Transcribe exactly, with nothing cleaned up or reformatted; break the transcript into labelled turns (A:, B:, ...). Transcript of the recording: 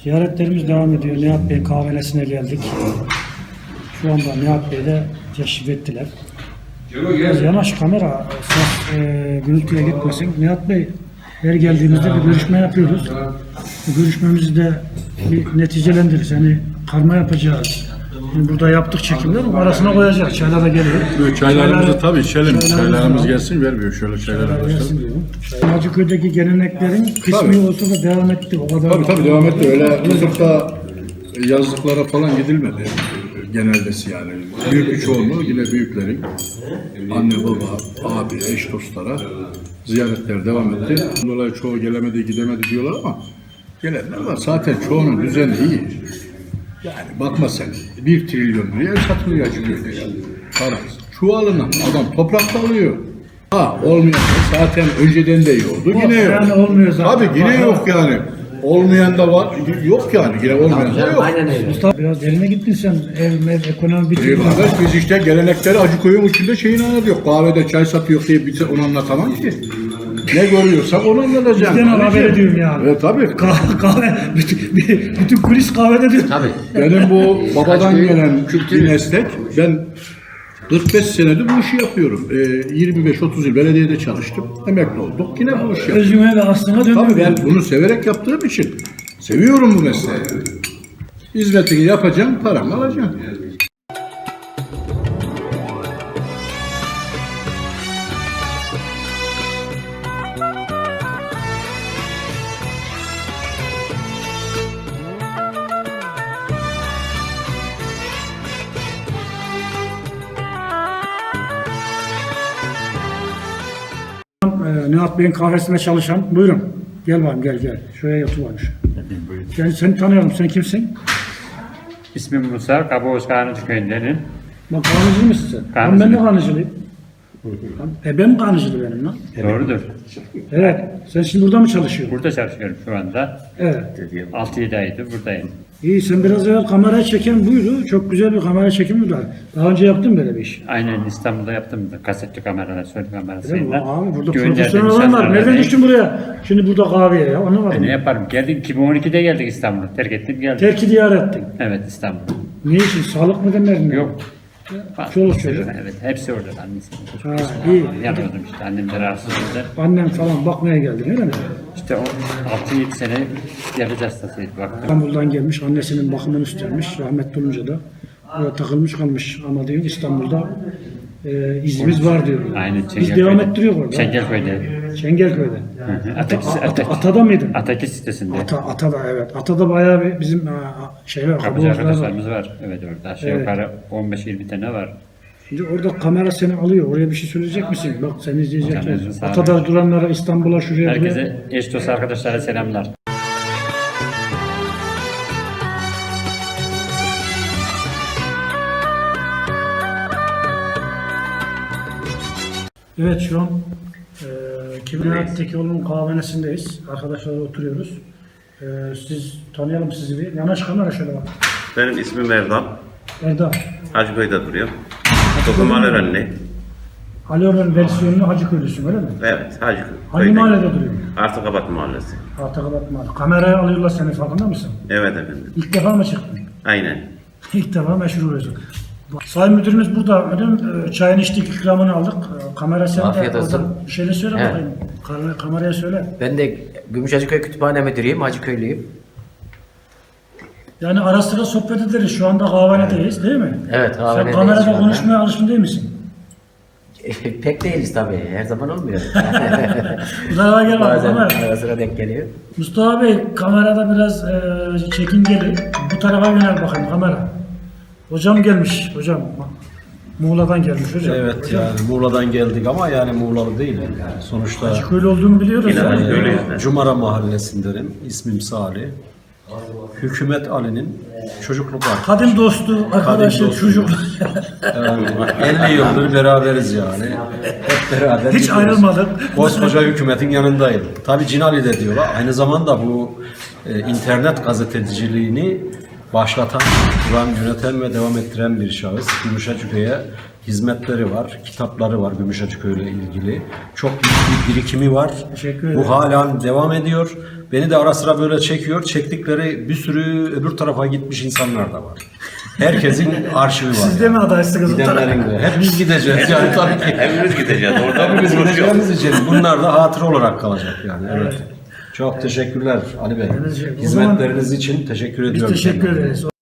A: Ziyaretlerimiz devam ediyor. Nihat Bey kahvenesine geldik. Şu anda Nihat Bey de teşrif ettiler. Biraz yanaş kamera, ses e, gürültüye gitmesin. Nihat Bey, her geldiğimizde bir görüşme yapıyoruz. Bu görüşmemizi de bir neticelendirir. Yani karma yapacağız. Şimdi burada yaptık çekimler, arasına koyacağız. Çaylar da geliyor.
B: Evet, çaylarımızı
A: Çaylar,
B: tabii içelim. Çaylarımız
A: var.
B: gelsin, vermiyor şöyle çaylara başlayalım.
A: Hacıköy'deki geleneklerin kısmı
B: Tabii.
A: olsa da devam etti. O kadar
B: Tabii tabii devam etti. Öyle tutup da yazlıklara falan gidilmedi. Genelde yani. Büyük bir çoğunluğu yine büyüklerin anne, baba, abi, eş, dostlara ziyaretler devam etti. Dolayı çoğu gelemedi, gidemedi diyorlar ama gelenler var. Zaten çoğunun düzeni iyi. Yani bakma sen, bir trilyon liraya satılıyor Hacıköy'de ya. Para. Çuvalına adam toprakta alıyor. Ha olmayan da zaten önceden de iyi oldu. Yine yok.
A: Yani olmuyor zaten.
B: Tabii yine yok yani. Olmayan da var. Yok yani. Yine olmayan da yok.
C: Aynen öyle.
A: Mustafa biraz derine gittin sen. Ev, mev, ekonomi
B: İyi
A: bitirdin.
B: kardeş, biz işte gelenekleri Hacıköy'ün içinde şeyini anlatıyor. Kahvede çay satıyor diye bize onu anlatamam ki. Ne görüyorsak onu anlatacağım.
A: Bizden haber ediyorum yani.
B: Evet tabii.
A: Kahve, kahve bütün, bütün kulis kahvede diyor.
C: Tabii.
B: Benim bu babadan
C: Hacıköy
B: gelen
C: kültürü.
B: bir meslek. Ben kırk beş senedir bu işi yapıyorum. Ee, yirmi beş otuz yıl belediyede çalıştım. Emekli olduk. Yine bu işi yapıyorum.
A: Özüme ve aslına
B: Tabii
A: dönüyor.
B: ben bunu severek yaptığım için seviyorum bu mesleği. Hizmetini yapacağım, paramı alacağım.
A: Ee, Nihat Bey'in kahvesinde çalışan. Buyurun. Gel bakayım gel gel. Şuraya otur şu. Gel seni tanıyalım. Sen kimsin?
D: İsmim Musa, Kabaoz Kanıcı köyündenim.
A: Bak kanıcı mısın sen?
D: Kanıcı.
A: Ben de kanıcılıyım. Ebem kanıcılı benim lan.
D: Doğrudur.
A: Evet. Sen şimdi burada mı çalışıyorsun?
D: Burada çalışıyorum şu anda.
A: Evet.
D: altı yedi aydır buradayım.
A: İyi sen biraz evvel kameraya çeken buydu. Çok güzel bir kamera çekimi var. Daha önce yaptın böyle bir iş.
D: Aynen İstanbul'da yaptım da kasetli kameralar, söylü
A: Değil mi?
D: kamerasıyla.
A: Abi burada
D: Gönderdim
A: profesyonel olan var.
D: insanlara.
A: Nereden düştün buraya? Şimdi burada kahveye ya. Anlamadım.
D: E ne yaparım? Geldik iki bin on ikide geldik İstanbul'a. Terk ettim geldik.
A: Terki diyar ettin.
D: Evet İstanbul.
A: Ne için? Sağlık mı demedin?
D: Yok.
A: Çoluk çocuk.
D: Evet hepsi orada. Annesi.
A: Ha, iyi.
D: Yanıyordum işte. Annem de rahatsızdı.
A: Annem falan bakmaya geldi öyle mi?
D: İşte o altı yedi sene diyabet hastasıydı. Baktım.
A: İstanbul'dan gelmiş, annesinin bakımını üstlenmiş. Rahmetli olunca da oraya takılmış kalmış. Ama diyor İstanbul'da e, izimiz var diyor.
D: Aynen
A: Biz
D: Çengelköy'de.
A: devam ettiriyor orada.
D: Çengelköy'de.
A: Çengelköy'de. Ata,
D: Ataki,
A: Ata-
D: Ataki,
A: Atada mıydın?
D: Ataki sitesinde.
A: Ata, Atada evet. Atada bayağı bir bizim a, şey var.
D: Kapıcı
A: kabuğumuzlar var.
D: arkadaşlarımız var. Evet orada. Aşağı
A: Evet.
D: yukarı on beş yirmi tane var.
A: Şimdi orada kamera seni alıyor. Oraya bir şey söyleyecek misin? Bak seni izleyecekler.
D: Canınızın sağlığı.
A: Atada duranlara, İstanbul'a, şuraya buraya.
D: Herkese, eş dost arkadaşlara selamlar.
A: Evet şu an e, Kibiriyat Tekioğlu'nun kahvenesindeyiz. Arkadaşlarla oturuyoruz. E, siz tanıyalım sizi bir. Yanaş kamera şöyle bak.
E: Benim ismim Erdal.
A: Erdal.
E: Hacıköy'de duruyor. Tokum Alerönlü.
A: Alioran versiyonunu Hacıköylüsün öyle mi?
E: Evet, Hacıköy.
A: Hangi mahallede duruyor?
E: Artıkabat Mahallesi.
A: Artakabat Mahalle. Kameraya alıyorlar seni farkında mısın?
E: Evet efendim.
A: İlk defa mı çıktın?
E: Aynen.
A: İlk defa meşhur oluyorsun. Sayın müdürümüz burada. Müdürüm e, çayını içtik, ikramını aldık. E, Kamera sende.
C: Afiyet olsun.
A: Oradan bir şeyler söyle
C: He.
A: bakayım. Kamera- Kameraya söyle.
C: Ben de Gümüşhacıköy Kütüphane Müdürüyüm, Hacıköylüyüm.
A: Yani ara sıra sohbet ederiz. Şu anda kahvenedeyiz değil mi?
C: Evet,
A: Sen
C: kahvenedeyiz
A: kamerada
C: şu anda.
A: konuşmaya alışkın değil misin?
C: Pek değiliz tabii, her zaman olmuyor.
A: Bu tarafa gel bak
C: Bazen
A: kamera.
C: ara sıra denk geliyor.
A: Mustafa Bey kamerada biraz e, çekingeli. Bu tarafa yönel bakayım kamera. Hocam gelmiş. Hocam Muğla'dan gelmiş hocam.
F: Evet
A: Hocam,
F: yani Muğla'dan geldik ama yani Muğla'lı değil. Yani sonuçta
A: Hacıköylü olduğunu biliyoruz.
E: Yine
A: yani.
E: Hacıköylüyüz.
F: e, Cumara Mahallesindenim. İsmim Salih. Hükümet Ali'nin çocukluk arkadaşı.
A: Kadim dostu, arkadaşı,
F: dostu.
A: çocuk.
F: Yani elli yıldır beraberiz yani. Hep beraber.
A: Hiç
F: gidiyoruz.
A: ayrılmadık.
F: Koskoca hükümetin yanındayım. Tabii Cinali de diyorlar. Aynı zamanda bu e, internet gazeteciliğini başlatan, kuran, yöneten ve devam ettiren bir şahıs. Gümüşhacıköy'e hizmetleri var, kitapları var Gümüşhacıköy ile ilgili. Çok büyük bir birikimi var.
A: Teşekkür ederim.
F: Bu halen devam ediyor. Beni de ara sıra böyle çekiyor. Çektikleri bir sürü öbür tarafa gitmiş insanlar da var. Herkesin arşivi var.
A: Siz de mi adaysınız?
F: Gidenlerin de. Hepimiz gideceğiz yani tabii ki.
E: Hepimiz gideceğiz. Orada
F: Hepimiz
E: bir konuşuyoruz.
F: gideceğimiz için bunlar da hatıra olarak kalacak yani. Evet. Çok teşekkürler Ali Bey.
A: O zaman
F: Hizmetleriniz için teşekkür
A: Biz
F: ediyorum.
A: teşekkür ederiz.